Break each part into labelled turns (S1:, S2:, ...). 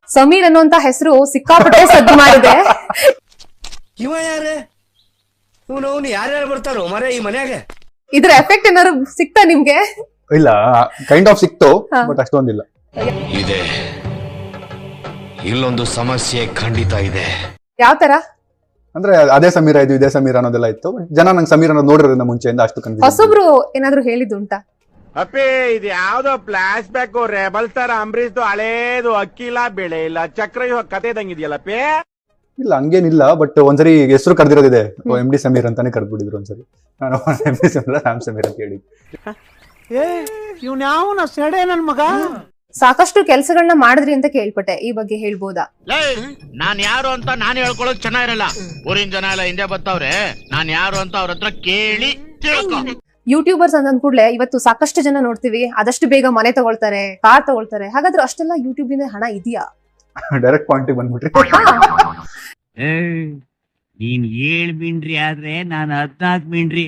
S1: ಸಮೀರ್ ಅನ್ನುವಂತ ಹೆಸರು ಸಿಕ್ಕಾಪಟ್ಟೆ ಸದ್ದು ಮಾಡಿದೆ.
S2: ಇವ ಯಾರೇ ಇವನು ಯಾರ್ಯಾರು ಬರ್ತಾರೋ ಮರೆ ಈ ಮನ್ಯಾಗ?
S1: ಇದ್ರ ಎಫೆಕ್ಟ್ ಏನಾದ್ರು ಸಿಕ್ತಾ ನಿಮ್ಗೆ?
S3: ಇಲ್ಲ, ಕೈಂಡ್ ಆಫ್ ಸಿಕ್ತು, ಬಟ್ ಅಷ್ಟೊಂದಿಲ್ಲ.
S2: ಇದೆ, ಇಲ್ಲೊಂದು ಸಮಸ್ಯೆ ಖಂಡಿತ ಇದೆ.
S1: ಯಾವ ತರ?
S3: ಅಂದ್ರೆ ಅದೇ ಸಮೀರ ಇದು ಇದೇ ಸಮೀರ ಅನ್ನೋದೆಲ್ಲ ಇತ್ತು. ಜನ ನಂಗೆ ಸಮೀರ ಅನ್ನೋದು ನೋಡಿರೋದ್ರಿಂದ ಮುಂಚೆಯಿಂದ ಅಷ್ಟು ಕನ್ಫ್ಯೂಸ್.
S1: ಹೊಸಬ್ರು ಏನಾದ್ರು ಹೇಳಿದ್ದುಂಟಾ?
S4: ಅಪ್ಪಿ ಇದು ಯಾವ್ದೋ ಫ್ಲಾಶ್ ಬ್ಯಾಕ್ ರೆಬಲ್ ಸ್ಟಾರ್ ಅಂಬರೀಶ್ದು ಹಳೇದು ಅಕ್ಕಿ ಇಲ್ಲ ಬೆಳೆ ಇಲ್ಲ ಚಕ್ರ ಕತೆ ಇದಂಗಿದೆಯಲ್ಲಪ್ಪಿ.
S3: ಇಲ್ಲ ಹಂಗೇನಿಲ್ಲ, ಬಟ್ ಒಂದ್ಸರಿ ಹೆಸರು ಕರೆದಿರೋದಿದೆ, ಎಂ ಡಿ ಸಮೀರ್ ಅಂತಾನೆ ಕರೆದ್ಬಿಟ್ಟಿದ್ರು ಒಂದ್ಸರಿ. ನಾನು ಎಂ ಡಿ ಸಮೀರ ರಾಮ್ ಸಮೀರ್ ಅಂತ ಹೇಳಿದ್ದೆ.
S4: ಇವ್ನ ಯಾವನ ಸೆಡೆ ನನ್ ಮಗ.
S1: ಸಾಕಷ್ಟು ಕೆಲಸಗಳನ್ನ ಮಾಡಿದ್ರಿ ಅಂತ ಕೇಳ್ಪಟ್ಟೆ, ಈ ಬಗ್ಗೆ ಹೇಳ್ಬೋದಾ?
S5: ನಾನ್ ಯಾರು ಅಂತ ನಾನು ಹೇಳ್ಕೊಳ್ಳೋದು ಚೆನ್ನಾಗಿರಲ್ಲ. ಊರಿನ ಜನ ಎಲ್ಲ ಹಿಂದೆ ಬರ್ತಾವ್ರೆ, ನಾನ್ ಯಾರು ಅಂತ ಅವ್ರ ಹತ್ರ ಕೇಳಿ ತಿಳ್ಕೊ.
S1: ಯೂಟ್ಯೂಬರ್ಸ್ ಅಂತ ಅಂದ್ಕೂಡ್ಲೆ ಇವತ್ತು ಸಾಕಷ್ಟು ಜನ ನೋಡ್ತೀವಿ, ಆದಷ್ಟು ಬೇಗ ಮನೆ ತಗೊಳ್ತಾರೆ, ಕಾರ್ ತಗೊಳ್ತಾರೆ. ಹಾಗಾದ್ರೆ ಅಷ್ಟೆಲ್ಲ ಯೂಟ್ಯೂಬ್ ಇಂದ ಹಣ ಇದೆಯಾ?
S3: ಡೈರೆಕ್ಟ್ ಪಾಯಿಂಟಿಗೆ ಬಂದ್ಬಿಟ್ರಿ.
S5: ನೀನ್ 7 ಮಿಂಡ್ರಿ ಆದ್ರೆ ನಾನು 14 ಮಿಂಡ್ರಿ.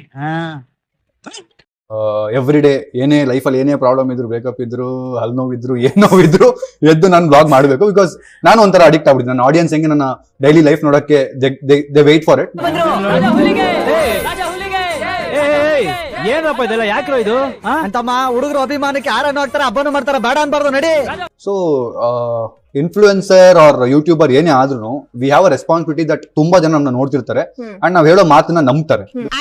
S3: ಎವ್ರಿ ಡೇ ಏನೇ ಲೈಫಲ್ಲಿ ಏನೇ ಪ್ರಾಬ್ಲಮ್ ಇದ್ರು, ಬ್ರೇಕಪ್ ಇದ್ರು, ಹಲ್ ನೋವಿದ್ರು, ಏನ್ ನೋವಿದ್ರು ಎದ್ದು ನಾನು ಬ್ಲಾಗ್ ಮಾಡ್ಬೇಕು. ಬಿಕಾಸ್ ನಾನು ಒಂಥರ ಅಡಿಕ್ಟ್ ಆಗ್ಬಿಟ್ಟಿದ್ದೆ. ನನ್ನ ಆಡಿಯನ್ಸ್ ಹೆಂಗೆ ನನ್ನ ಡೈಲಿ ಲೈಫ್ ನೋಡಕ್ಕೆ ದೇ ವೇಟ್ ಫಾರ್ ಇಟ್.
S6: ಏನಪ್ಪ ಇದೆಲ್ಲ ಯಾಕ್ರೋ ಇದು ಅಂತಮ್ಮ? ಹುಡುಗರು ಅಭಿಮಾನಕ್ಕೆ ಯಾರನ್ನು ಹಾಕ್ತಾರೆ, ಹಬ್ಬನು ಮಾಡ್ತಾರೆ, ಬೇಡ ಅನ್ಬಾರ್ದು ನಡಿ.
S3: ಸೊ ಇನ್ಫ್ಲೂಯೆನ್ಸರ್ ಆರ್ ಯೂಟ್ಯೂಬರ್ ಏನೇ ಆದ್ರೂ we have a responsibility that ತುಂಬಾ ಜನ ನಮ್ಮನ್ನ ನೋಡ್ತಿರ್ತಾರೆ ಅಂಡ್ ನಾವ್ ಹೇಳೋ ಮಾತನ್ನ ನಂಬ್ತಾರೆ.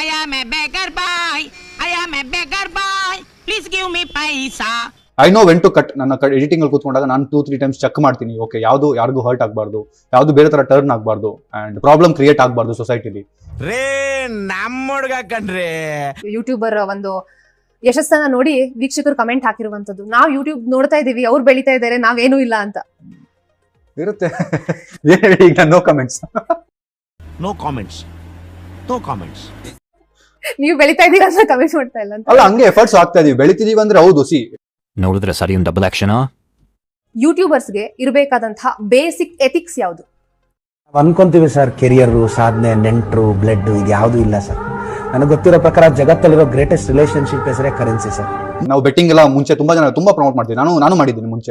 S3: I know when to cut. ನನ್ನ ಎಡಿಟಿಂಗ್ ಅಲ್ಲಿ ಕೂತ್ಕೊಂಡಾಗ ನಾನು 2-3 ಟೈಮ್ಸ್ ಚೆಕ್ ಮಾಡ್ತೀನಿ. ಓಕೆ, ಯಾವ್ದು ಯಾರಿಗೂ ಹರ್ಟ್ ಆಗ್ಬಾರ್ದು, ಯಾವ್ದು ಬೇರೆ ತರ ಟರ್ನ್ ಆಗ್ಬಾರ್ದು ಅಂಡ್ ಪ್ರಾಬ್ಲಮ್ ಕ್ರಿಯೇಟ್ ಆಗ್ಬಾರ್ದು ಸೊಸೈಟಿಲಿ.
S4: ರೇ ನಮ್ಮ ಹುಡ್ಗ ಕಣ್ರಿ.
S1: ಯೂಟ್ಯೂಬರ್ ಒಂದು ಯಶಸ್ಸನ್ನ ನೋಡಿ ವೀಕ್ಷಕರು ಕಮೆಂಟ್ ಹಾಕಿರುವಂತದ್ದು, ನಾವ್ ಯೂಟ್ಯೂಬ್ ನೋಡ್ತಾ ಇದೀವಿ, ಅವ್ರು ಬೆಳಿತಾ ಇದಾರೆ, ನಾವೇನೂ ಇಲ್ಲ ಅಂತ
S3: ಇರುತ್ತೆ. ಈಗ no comments.
S5: No comments, no comments.
S1: ನೀವು ಬೆಳಿತಾ ಇದೀರಾ ಅಂತ ಕಮೆಂಟ್ ಮಾಡ್ತಾ ಇಲ್ಲ ಅಂತ.
S3: ಅಲ್ಲ, ಹಂಗೆ ಎಫರ್ಟ್ಸ್ ಆಗ್ತಾ ಇದೀವಿ, ಬೆಳಿತಿದೀವಿ ಅಂದ್ರೆ ಹೌದು. ಸಿ
S7: ನೋಡಿದ್ರೆ ಸರಿ ಒಂದು ಡಬಲ್ ಆಕ್ಷನ್.
S1: ಯೂಟ್ಯೂಬರ್ಸ್ಗೆ ಇರಬೇಕಾದಂತಹ ಬೇಸಿಕ್ ಎಥಿಕ್ಸ್ ಯಾವುದು?
S8: ಅನ್ಕೊಂತೀವಿ ಸರ್, ಕೆರಿಯರ್, ಸಾಧನೆ, ನೆಂಟ್ರು, ಬ್ಲಡ್ ಇದು ಯಾವ್ದು ಇಲ್ಲ ಸರ್. ನನಗೆ ಗೊತ್ತಿರೋ ಪ್ರಕಾರ ಜಗತ್ತಲ್ಲಿರೋ ಗ್ರೇಟೆಸ್ಟ್ ರಿಲೇಶನ್ಶಿಪ್ ಹೆಸರೇ ಕರೆನ್ಸಿ ಸರ್.
S3: ನಾವು ಬೆಟ್ಟಿಂಗ್ ಎಲ್ಲ ಮುಂಚೆ ತುಂಬಾ ಜನ ತುಂಬಾ ಪ್ರಮೋಟ್ ಮಾಡ್ತೀವಿ. ನಾನು ಮಾಡಿದ್ದೀನಿ ಮುಂಚೆ.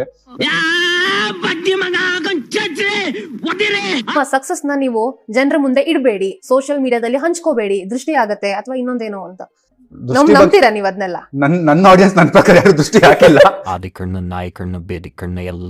S1: ಸಕ್ಸಸ್ ನ ನೀವು ಜನರ ಮುಂದೆ ಇಡಬೇಡಿ, ಸೋಷಿಯಲ್ ಮೀಡಿಯಾದಲ್ಲಿ ಹಂಚ್ಕೋಬೇಡಿ, ದೃಷ್ಟಿ ಆಗತ್ತೆ ಅಥವಾ ಇನ್ನೊಂದೇನೋ ಅಂತ ನಂಬ್ತೀರಾ ನೀವು ಅದನ್ನೆಲ್ಲ?
S3: ನನ್ನ ಆಡಿಯನ್ಸ್ ನನ್ನ ಪ್ರಕಾರ ಯಾರು ದೃಷ್ಟಿ ಹಾಕಿಲ್ಲ.
S7: ಆದಿ ಕಣ್ಣು, ನಾಯಿ ಕಣ್ಣು, ಬೇದಿ ಕಣ್ಣು ಎಲ್ಲ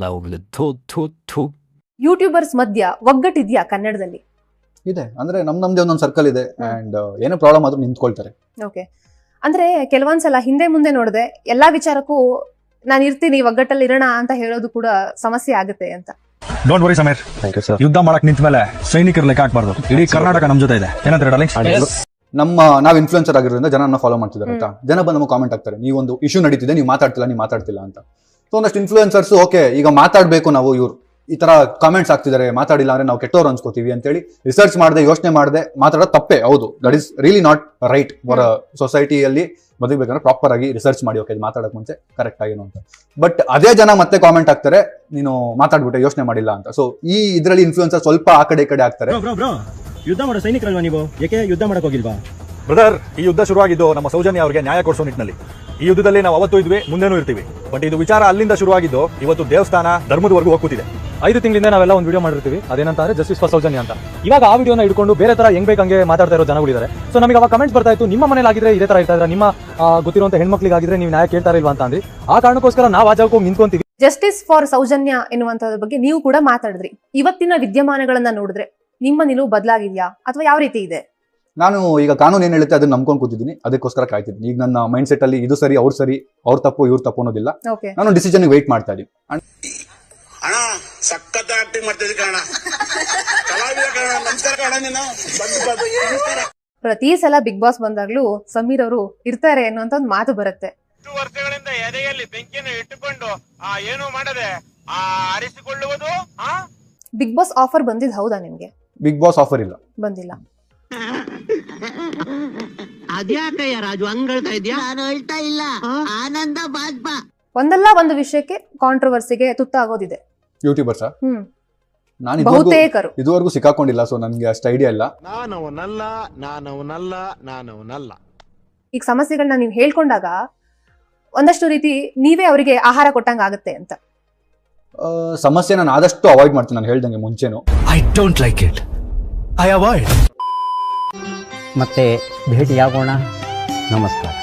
S1: ಯೂಟ್ಯೂಬರ್ಸ್ ಮಧ್ಯ ಒಗ್ಗಟ್ಟಿದ್ಯಾ ಕನ್ನಡದಲ್ಲಿ?
S3: ಇದೆ, ಅಂದ್ರೆ ನಮ್ದೇ ಒಂದೊಂದು ಸರ್ಕಲ್ ಇದೆ ಅಂಡ್ ಏನೋ ಪ್ರಾಬ್ಲಮ್ ಆದ್ರೂ ನಿಂತ್ಕೊಳ್ತಾರೆ.
S1: ಓಕೆ, ಅಂದ್ರೆ ಕೆಲವೊಂದ್ಸಲ ಹಿಂದೆ ಮುಂದೆ ನೋಡದೆ ಎಲ್ಲಾ ವಿಚಾರಕ್ಕೂ ನಾನು ಇರ್ತೀನಿ, ಒಗ್ಗಟ್ಟಲ್ಲಿ ಇರೋಣ ಅಂತ ಹೇಳೋದು ಕೂಡ ಸಮಸ್ಯೆ ಆಗುತ್ತೆ ಅಂತ.
S9: ಡೋಂಟ್ ವರಿ ಸಮೀರ್, ಯುದ್ಧ ಮಾಡಕ್ ನಿಂತ ಮೇಲೆ ಸೈನಿಕರ ಲೆಕ್ಕ ಹಾಕ್ಬಾರ್ದು. ಇಡೀ ಕರ್ನಾಟಕ ನಮ್ ಜೊತೆ ಇದೆ. ಏನಂತಾರೆ ಡಾರ್ಲಿಂಗ್? ನಾವ್ ಇನ್ಫ್ಲುಯೆನ್ಸರ್ ಆಗಿರೋದ್ರಿಂದ ಜನ ಫಾಲೋ ಮಾಡ್ತಿದ್ದಾರೆ ಅಂತ. ಜನ ಬಂದು ನಮಗೆ ಕಾಮೆಂಟ್ ಆಗ್ತಾರೆ, ನೀವೊಂದು ಇಶ್ಯೂ ನಡೀತಿದೆ, ನೀವು ಮಾತಾಡ್ತಿಲ್ಲ ಅಂತ. ಸೊ ಒಂದಷ್ಟು ಇನ್ಫ್ಲುಯೆನ್ಸರ್ಸ್ ಓಕೆ ಈಗ ಮಾತಾಡ್ಬೇಕು ನಾವು, ಇವ್ರು ಈ ತರ ಕಾಮೆಂಟ್ಸ್ ಆಗ್ತಿದ್ದಾರೆ, ಮಾತಾಡಿಲ್ಲ ಅಂದ್ರೆ ನಾವು ಕೆಟ್ಟವ್ರು ಅನ್ಸ್ಕೋತೀವಿ ಅಂತೇಳಿ ರಿಸರ್ಚ್ ಮಾಡದೆ ಯೋಚನೆ ಮಾಡದೆ ಮಾತಾಡೋದು ತಪ್ಪೇ. ಹೌದು, that is really not right for ಸೊಸೈಟಿಯಲ್ಲಿ ಬದುಕಬೇಕಂದ್ರೆ ಪ್ರಾಪರ್ ಆಗಿ ರಿಸರ್ಚ್ ಮಾಡಿ ಓಕೆ ಮಾತಾಡಕ್ ಮುಂಚೆ ಕರೆಕ್ಟ್ ಆಗೇನು ಅಂತ. ಬಟ್ ಅದೇ ಜನ ಮತ್ತೆ ಕಾಮೆಂಟ್ ಆಗ್ತಾರೆ, ನೀನು ಮಾತಾಡ್ಬಿಟ್ಟೆ ಯೋಚನೆ ಮಾಡಿಲ್ಲ ಅಂತ. ಸೊ ಈ ಇದ್ರಲ್ಲಿ ಇನ್ಫ್ಲುಯೆನ್ಸರ್ ಸ್ವಲ್ಪ ಆ ಕಡೆ ಈ ಕಡೆ ಆಗ್ತಾರೆ.
S6: ಯುದ್ಧ ಮಾಡೋ ಸೈನಿಕರಲ್ವಾ ನೀವು? ಯಾಕೆ ಯುದ್ಧ ಮಾಡಕ್ ಹೋಗಿಲ್ವಾ?
S9: ಬ್ರದರ್, ಈ ಯುದ್ಧ ಶುರುವಾಗಿದ್ದು ನಮ್ಮ ಸೌಜನ್ಯ ಅವರಿಗೆ ನ್ಯಾಯ ಕೊಡಿಸೋ ನಿಟ್ಟಿನಲ್ಲಿ. ಈ ಯುದ್ಧದಲ್ಲಿ ನಾವು ಅವತ್ತು ಇದ್ವಿ, ಮುಂದೆನೂ ಇರ್ತೀವಿ. ಬಟ್ ಇದು ವಿಚಾರ ಅಲ್ಲಿಂದ ಶುರುವಾಗಿದ್ದು ಇವತ್ತು ದೇವಸ್ಥಾನ ಧರ್ಮದವರೆಗೂ ಹೋಗ್ತಿದೆ.
S6: 5 ತಿಂಗಳಿಂದ ನಾವೆಲ್ಲ ಒಂದು ವಿಡಿಯೋ ಮಾಡಿರ್ತೀವಿ, ಅದೇನಂತಾರೆ ಜಸ್ಟಿಸ್ ಫಾರ್ ಸೌಜನ್ಯ ಅಂತ. ಇವಾಗ ಆ ವಿಡಿಯೋನ ಹಿಡ್ಕೊಂಡು ಬೇರೆ ತರ ಹೆಂಗ್ ಬೇಕಂಗೆ ಮಾತಾಡ್ತಾ ಇರೋ ಜನಗಳಿದ್ದಾರೆ. ಸೊ ನಮಗೆ ಅವಾಗ ಕಮೆಂಟ್ಸ್ ಬರ್ತಾ ಇತ್ತು, ನಿಮ್ಮ ಮನೇಲಿ ಆಗಿದ್ರೆ ಇದೇ ತರ ಇರ್ತಾ ಇದ್ರೆ, ನಿಮ್ಮ ಗೊತ್ತಿರುವಂತ ಹೆಣ್ಮಕ್ಳಿಗಾಗಿದ್ರೆ ನೀವು ನ್ಯಾಯ ಕೇಳ್ತಾ ಇಲ್ವಾ ಅಂತ ಅಂದ್ರಿ. ಆ ಕಾರಣಕ್ಕೋಸ್ಕರ ನಾವು ಆ ಜಾಗಕ್ಕೆ ನಿಂತ್ಕೊಂತೀವಿ.
S1: ಜಸ್ಟಿಸ್ ಫಾರ್ ಸೌಜನ್ಯ ಎನ್ನುವಂತದ್ರ ಬಗ್ಗೆ ನೀವು ಕೂಡ ಮಾತಾಡಿದ್ರಿ. ಇವತ್ತಿನ ವಿದ್ಯಮಾನಗಳನ್ನ ನೋಡಿದ್ರೆ ನಿಮ್ಮ ನಿಲುವು ಬದಲಾಗಿದ್ಯಾ ಅಥವಾ ಯಾವ ರೀತಿ ಇದೆ?
S3: ನಾನು ಈಗ ಕಾನೂನು ಏನ್ ಹೇಳುತ್ತೆ ಅದನ್ನ ನಂಬ್ಕೊಂಡು ಕೂತಿದ್ದೀನಿ, ಅದಕ್ಕೋಸ್ಕರ ಕಾಯ್ತಿದ್ದೀನಿ. ಈಗ ನನ್ನ ಮೈಂಡ್ ಸೆಟ್ ಅಲ್ಲಿ ಇದು ಸರಿ, ಅವ್ರ ತಪ್ಪು ಇವ್ರ ತಪ್ಪು ಅನ್ನೋದಿಲ್ಲ. ನಾನು ಡಿಸಿಷನ್ ವೇಟ್ ಮಾಡ್ತಾ ಇದ್ದೀನಿ.
S4: ಅಣ್ಣ ಸಖತ್ ಆಕ್ಟಿಂಗ್ ಮಾಡ್ತಿದ್ದೆ ಕಣ, ಕಲಾವಿದ ಕಣ, ನಮಸ್ಕಾರ ಕಣ. ನೀನು
S1: ಪ್ರತಿ ಸಲ ಬಿಗ್ ಬಾಸ್ ಬಂದಾಗ್ಲೂ ಸಮೀರ್ ಅವರು ಇರ್ತಾರೆ ಅನ್ನುವಂತ ಒಂದು ಮಾತು ಬರುತ್ತೆ.
S4: 2 ವರ್ಷಗಳಿಂದ ಎದೆಯಲ್ಲಿ ಬೆಂಕಿಯನ್ನು ಇಟ್ಟುಕೊಂಡು ಏನು ಮಾಡದೆ ಆರಿಸಿಕೊಳ್ಳುವುದು.
S1: ಬಿಗ್ ಬಾಸ್ ಆಫರ್ ಬಂದಿದ್ ಹೌದಾ ನಿಮ್ಗೆ?
S3: ಬಿಗ್ ಬಾಸ್ ಆಫರ್ ಇಲ್ಲ,
S1: ಬಂದಿಲ್ಲ.
S5: ಅದ್ಯಾಕಯ್ಯ ರಾಜು ಹಂಗ್ ಹೇಳ್ತಾ ಇದ್ಯಾ? ನಾನು ಹೇಳ್ತಾ ಇಲ್ಲ, ಆನಂದ ಬಾಜ್ಪ.
S1: ಒಂದಲ್ಲ ಒಂದು ವಿಷಯಕ್ಕೆ ಕಾಂಟ್ರವರ್ಸಿಗೆ ತುತ್ತಾಗೋದಿದೆ
S3: ಯೂಟ್ಯೂಬರ್ಸ್. ನಾನು
S1: ಬಹುತೇಕರು
S3: ಇದುವರೆಗೂ ಸಿಕ್ಕಾಕೊಂಡಿಲ್ಲ, ಸೊ ನನ್ಗೆ ಅಷ್ಟು ಐಡಿಯಾ ಇಲ್ಲ.
S4: ನಾನವನಲ್ಲ.
S1: ಈಗ ಸಮಸ್ಯೆಗಳನ್ನ ನೀವು ಹೇಳ್ಕೊಂಡಾಗ ಒಂದಷ್ಟು ರೀತಿ ನೀವೇ ಅವರಿಗೆ ಆಹಾರ ಕೊಟ್ಟಂಗ ಆಗುತ್ತೆ ಅಂತ.
S3: ಸಮಸ್ಯೆ ನಾನು ಆದಷ್ಟು ಅವಾಯ್ಡ್ ಮಾಡ್ತೀನಿ, ನಾನು ಹೇಳ್ದಂಗೆ ಮುಂಚೆನು.
S9: I don't like it, I avoid.
S10: ಮತ್ತೆ ಭೇಟಿಯಾಗೋಣ. ನಮಸ್ಕಾರ.